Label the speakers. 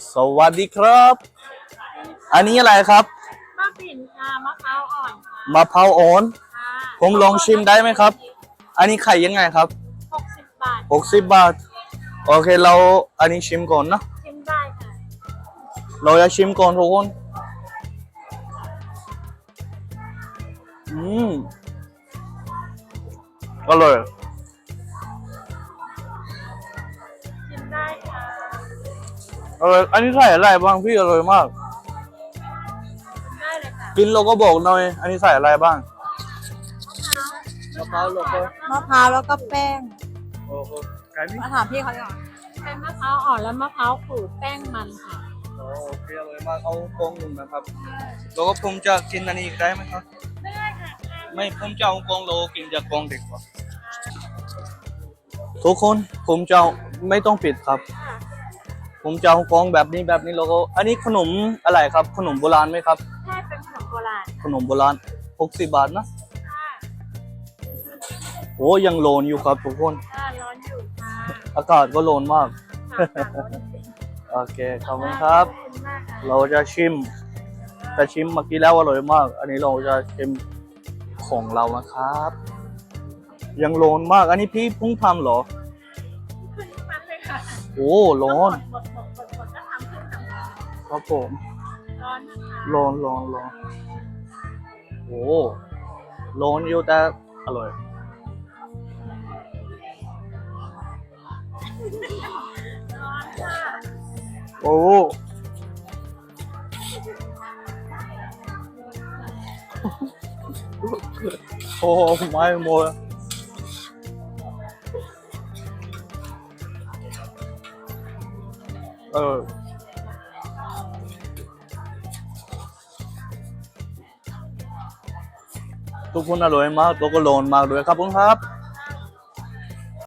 Speaker 1: สวัสดีครับ อันนี้อะไรครับ
Speaker 2: มะปิ่นค่ะมะพร้าวอ่อนค่ะ
Speaker 1: มะพร้าวอ่อน
Speaker 2: ค่ะ
Speaker 1: ผมลองชิมได้ไหมครับ อันนี้ไข่ยังไงครับ
Speaker 2: 60 บาท
Speaker 1: 60 บาทโอเคเราอันนี้ชิมก่อนนะ
Speaker 2: ชิมได้ค่ะ
Speaker 1: เราจะชิมก่อนทุกคนอืมอร่อย
Speaker 2: ชิมได้ค่ะ
Speaker 1: อร่อยอันนี้ใส่อะไรบ้างพี่อร่อยมาก
Speaker 2: ชิมได้เลยค่ะ
Speaker 1: กินเราก็บอกหน่อยอันนี้ใส่อะไรบ้างมะพร้าวแล้วก็
Speaker 3: มะพร้าวแล้วก็แป้ง
Speaker 1: โอ้โหไก่นี่
Speaker 3: มาถามพี่เขาก่อน
Speaker 2: เป็นมะพร้าวอ่อนและมะพร้าวขูดแป้งมันค่ะ
Speaker 1: โอเคอร่อยมากเอากองหนึ่งนะครับแล้วก็ผมจะกินอันนี้ได้ไหมครับ
Speaker 2: ได้ค่ะ
Speaker 1: ไม่ผมจะเอากองโลกินจากกองเด็กกว่าทุกคนผมจะไม่ต้องปิดครับผมจะเอากองแบบนี้แล้วก็อันนี้ขนมอะไรครับขนมโบราณไหมครับ
Speaker 2: ใช่เป็นขนมโบราณ
Speaker 1: ขนมโบราณ60 บาทนะ
Speaker 2: ค่ะ
Speaker 1: โอ้ยังโลนอยู่ครับทุกคน
Speaker 2: ร้อนอยู่ค่ะ
Speaker 1: อากาศก็โลนมาก
Speaker 2: ร้อนจริง
Speaker 1: โอเคขอบคุณครับ
Speaker 2: ขอบคุณมากค่ะ
Speaker 1: เราจะชิมแต่ชิมเมื่อกี้แล้วอร่อยมาก อันนี้เราจะชิมของเรานะครับ ยังโลนมากอันนี้พี่เพิ่งทำเหรอ
Speaker 2: ขึ้นมันเลยค่ะ
Speaker 1: โอ้ร้อน
Speaker 2: หมดก็ทำขึ้นทำ
Speaker 1: ครับผม
Speaker 2: ร้อนนะคะ
Speaker 1: ร้อนโอ้ร้อนอยู่แต่อร่อย
Speaker 2: ร้อนค่ะ
Speaker 1: โอ้โอ้ไม่หมดทุกคนอร่อยมากตัวก็โลนมากด้วยครับผมครับ